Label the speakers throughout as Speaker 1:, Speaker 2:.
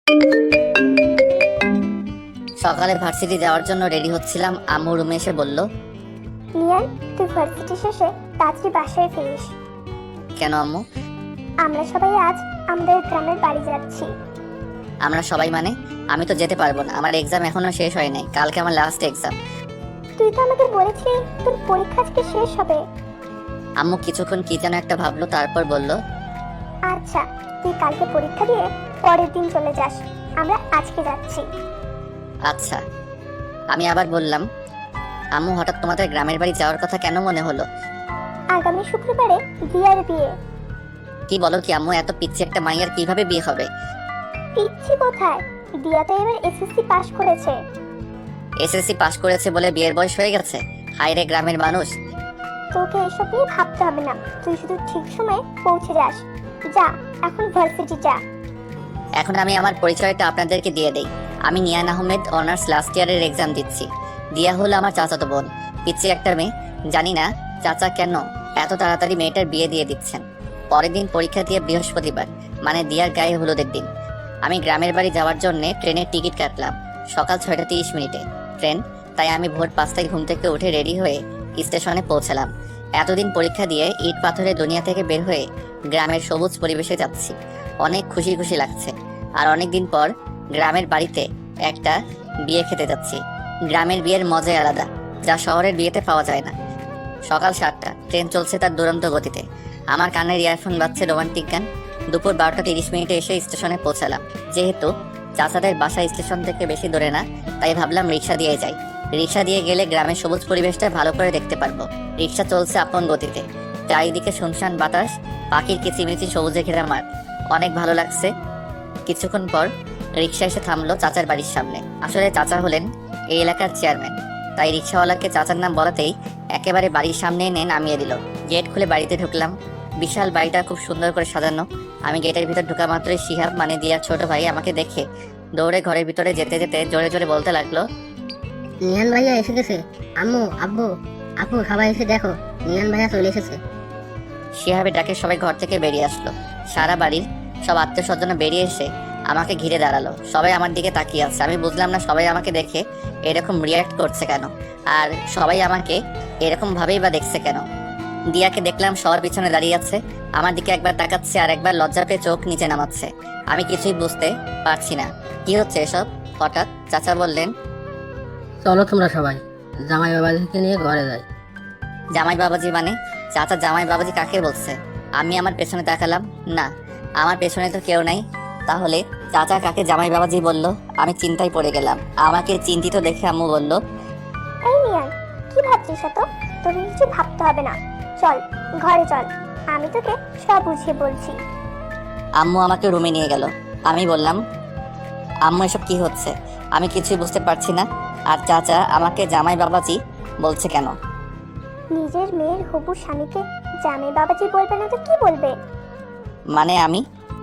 Speaker 1: সকালে ভার্সিটি যাওয়ার জন্য রেডি হচ্ছিলাম, আম্মু রুমে এসে বলল,
Speaker 2: নিয়ান, তুই ভার্সিটি শেষে তাড়াতাড়ি বাসায় ফিরিস।
Speaker 1: কেন আম্মু?
Speaker 2: আমরা সবাই আজ আমাদের গ্রামের বাড়ি যাচ্ছি।
Speaker 1: আমরা সবাই মানে? আমি তো যেতে পারবো না, আমার এক্সাম এখনো শেষ হয় নাই, কালকে আমার লাস্ট এক্সাম।
Speaker 2: তুই তো আমাদের বলেছিলি তোর পরীক্ষা আজকে শেষ হবে।
Speaker 1: আম্মু কিছুক্ষণ কি যেন একটা ভাবলো, তারপর বলল,
Speaker 2: আচ্ছা, তুই কালকে পরীক্ষা দিয়ে পরের দিন চলে যাস, আমরা আজকে যাচ্ছি।
Speaker 1: আচ্ছা। আমি আবার বললাম, আম্মু হঠাৎ তোমাদের গ্রামের বাড়ি যাওয়ার কথা কেন মনে হলো?
Speaker 2: আগামী শুক্রবারে দিয়ার বিয়ে।
Speaker 1: কি বলো কি আম্মু, এত পিচ্ছি একটা মাইয়ার কিভাবে বিয়ে হবে?
Speaker 2: পিচ্ছি কোথায়, দিয়া তো এবার এসএসসি পাস করেছে।
Speaker 1: এসএসসি পাস করেছে বলে বিয়ের বয়স হয়ে গেছে? হায় রে গ্রামের মানুষ।
Speaker 2: তোকে এসব নিয়ে ভাবতে হবে না, তুই শুধু ঠিক সময়ে পৌঁছে যাস। যা, এখন ভার্সিটি যা।
Speaker 1: এখন আমি আমার পরিচয়টা আপনাদেরকে দিয়ে দেই। আমি নিয়ান আহমেদ, অনার্স লাস্ট ইয়ারের এক্সাম দিচ্ছি। দিয়া হলো আমার চাচাতো বোন, পিচ্ছি একটা মেয়ে। জানি না চাচা কেন এত তাড়াতাড়ি মেয়েটার বিয়ে দিয়ে দিচ্ছেন। পরের দিন পরীক্ষা দিয়ে বৃহস্পতিবার, মানে দিয়ার গায়ে হলুদের দিন। আমি গ্রামের বাড়ি যাওয়ার জন্য ট্রেনের টিকিট কাটলাম সকাল 6:30 ট্রেন, তাই আমি ভোর 5টায় ঘুম থেকে উঠে রেডি হয়ে স্টেশনে পৌঁছালাম। এতদিন পরীক্ষা দিয়ে ইট পাথরের দুনিয়া থেকে বের হয়ে গ্রামের সবুজ পরিবেশে যাচ্ছি, অনেক খুশি খুশি লাগছে। আর অনেকদিন পর গ্রামের বাড়িতে একটা বিয়ে খেতে যাচ্ছি। গ্রামের বিয়ের মজাই আলাদা, যা শহরের বিয়েতে পাওয়া যায় না। সকাল 7টা, ট্রেন চলছে তার দুরন্ত গতিতে। আমার কানের ইয়ারফোন বাজছে রোমান্টিক গান। দুপুর 12:30 এসে স্টেশনে পৌঁছালাম। যেহেতু চাচাদের বাসা স্টেশন থেকে বেশি দূরে না, তাই ভাবলাম রিক্সা দিয়ে যাই। রিক্সা দিয়ে গেলে গ্রামের সবুজ পরিবেশটা ভালো করে দেখতে পারবো। রিক্সা চলছে আপন গতিতে, চারিদিকে শুনশান বাতাস, পাখির কিচিমিচি সবুজে ঘেরা মাঠ, অনেক ভালো লাগছে। কিছুক্ষণ পর রিক্সা এসে থামলো চাচার বাড়ির সামনে। আসলে চাচা হলেন এই এলাকার চেয়ারম্যান, তাই রিক্সাওয়ালাকে চাচার নাম বলাতেই একেবারে বাড়ির সামনে এনে নামিয়ে দিল। গেট খুলে বাড়িতে ঢুকলাম। বিশাল বাড়িটা খুব সুন্দর করে সাজানো। আমি গেটের ভিতর ঢুকা মাত্রই শিহাব, মানে দিয়ার ছোট ভাই, আমাকে দেখে দৌড়ে ঘরের ভিতরে যেতে যেতে জোরে জোরে বলতে লাগলো,
Speaker 3: নিয়ান ভাইয়া এসে গেছে। আম্মু, আব্বু, আপু, সবাই এসে দেখো, নিয়ান ভাইয়া চলে এসেছে।
Speaker 1: শিহাবের ডাকে সবাই ঘর থেকে বেরিয়ে আসলো। সারা বাড়ির সব আত্মীয় স্বজন বেরিয়ে এসে আমাকে ঘিরে দাঁড়ালো। সবাই আমার দিকে তাকিয়ে আছে। আমি বুঝলাম না সবাই আমাকে দেখে এরকম রিয়াক্ট করছে কেন, আর সবাই আমাকে এরকম ভাবেই বা দেখছে কেন। দিয়াকে দেখলাম সবার পিছনে দাঁড়িয়ে আছে, আমার দিকে একবার তাকাচ্ছে আর একবার লজ্জা পেয়ে চোখ নিচে নামাচ্ছে। আমি কিছুই বুঝতে পারছি না কি হচ্ছে এসব। হঠাৎ চাচা বললেন,
Speaker 3: চলো তোমরা সবাই জামাই বাবাজিকে নিয়ে ঘরে যাই।
Speaker 1: জামাই বাবাজি মানে? চাচা জামাই বাবাজি কাকে বলছে? আমি আমার পেছনে তাকালাম, না, আমার পেছনে তো কেউ নাই। তাহলে চাচা কাকে জামাই বাবাজি বলল? আমি চিন্তায় পড়ে গেলাম। আমাকে চিন্তিত দেখে আম্মু বলল,
Speaker 2: এই নিয়ান, কি ভাবছিস এত? তোকে কিছু ভাবতে হবে না, চল ঘরে চল, আমি তোকে সব বুঝিয়ে বলছি।
Speaker 1: আম্মু আমাকে রুমে নিয়ে গেল। আমি বললাম, আম্মু এসব কি হচ্ছে? আমি কিছুই বুঝতে পারছি না। আর চাচা আমাকে জামাই বাবাজি বলছে কেন?
Speaker 2: নিজের মেয়ের হবু স্বামীকে জামাই বাবাজি বলবে না তো কি বলবে?
Speaker 1: মানে আমি?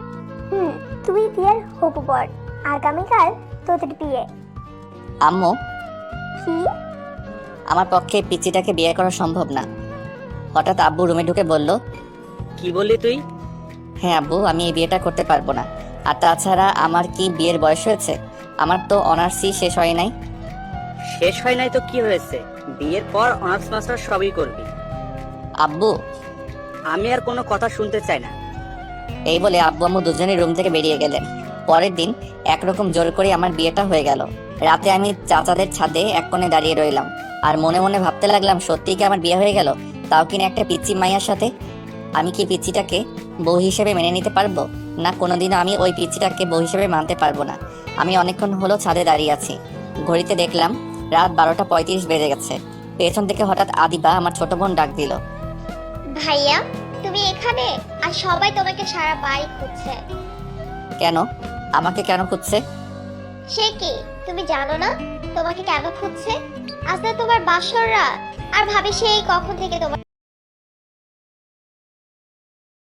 Speaker 2: তুই দিয়ার হবু বর, আগামীকাল তোদের বিয়ে।
Speaker 1: আম্মু,
Speaker 2: কি?
Speaker 1: আমার পক্ষে পিচিটাকে বিয়ে করা সম্ভব না। হঠাৎ আব্বু রুমে ঢুকে বলল,
Speaker 4: কি বললি তুই?
Speaker 1: হ্যাঁ আব্বু, আমি এই বিয়েটা করতে পারবো না। আর তাছাড়া আমার কি বিয়ের বয়স হয়েছে? আমার তো অনার্সই শেষ হয় নাই।
Speaker 4: শেষ হয় নাই তো কি হয়েছে? বিয়ের পর অনার্স মাস্টার সবই করবি।
Speaker 1: আব্বু,
Speaker 4: আমি আর কোনো কথা শুনতে চাই না।
Speaker 1: এই বলে আব্বু আম্মু দুজনেই রুম থেকে বেরিয়ে গেলেন। পরের দিন একরকম জোর করে আমার বিয়েটা হয়ে গেল। রাতে আমি চাচাদের ছাদে এক কোণে দাঁড়িয়ে রইলাম আর মনে মনে ভাবতে লাগলাম, সত্যিই কি আমার বিয়ে হয়ে গেল, তাও কিনা একটা পিচ্চি মাইয়ার সাথে। আমি কি পিচ্চিটাকে বউ হিসেবে মেনে নিতে পারবো? না, কোনোদিনও আমি ওই পিচ্চিটাকে বউ হিসেবে মানতে পারবো না। আমি অনেকক্ষণ হলো ছাদে দাঁড়িয়ে আছি। ঘড়িতে দেখলাম রাত 12:35 বেজে গেছে। পেছন থেকে হঠাৎ আদিবা, আমার ছোট বোন, ডাক দিল,
Speaker 5: ভাইয়া, তুমি এখানে? আর সবাই তোমাকে সারা বাড়ি খুঁজছে।
Speaker 1: কেন? আমাকে কেন খুঁজছে?
Speaker 5: সে কি, তুমি জানো না তোমাকে কেন খুঁজছে? আজ না তোমার বাসর রাত, আর ভাবি সেই কখন থেকে তোমার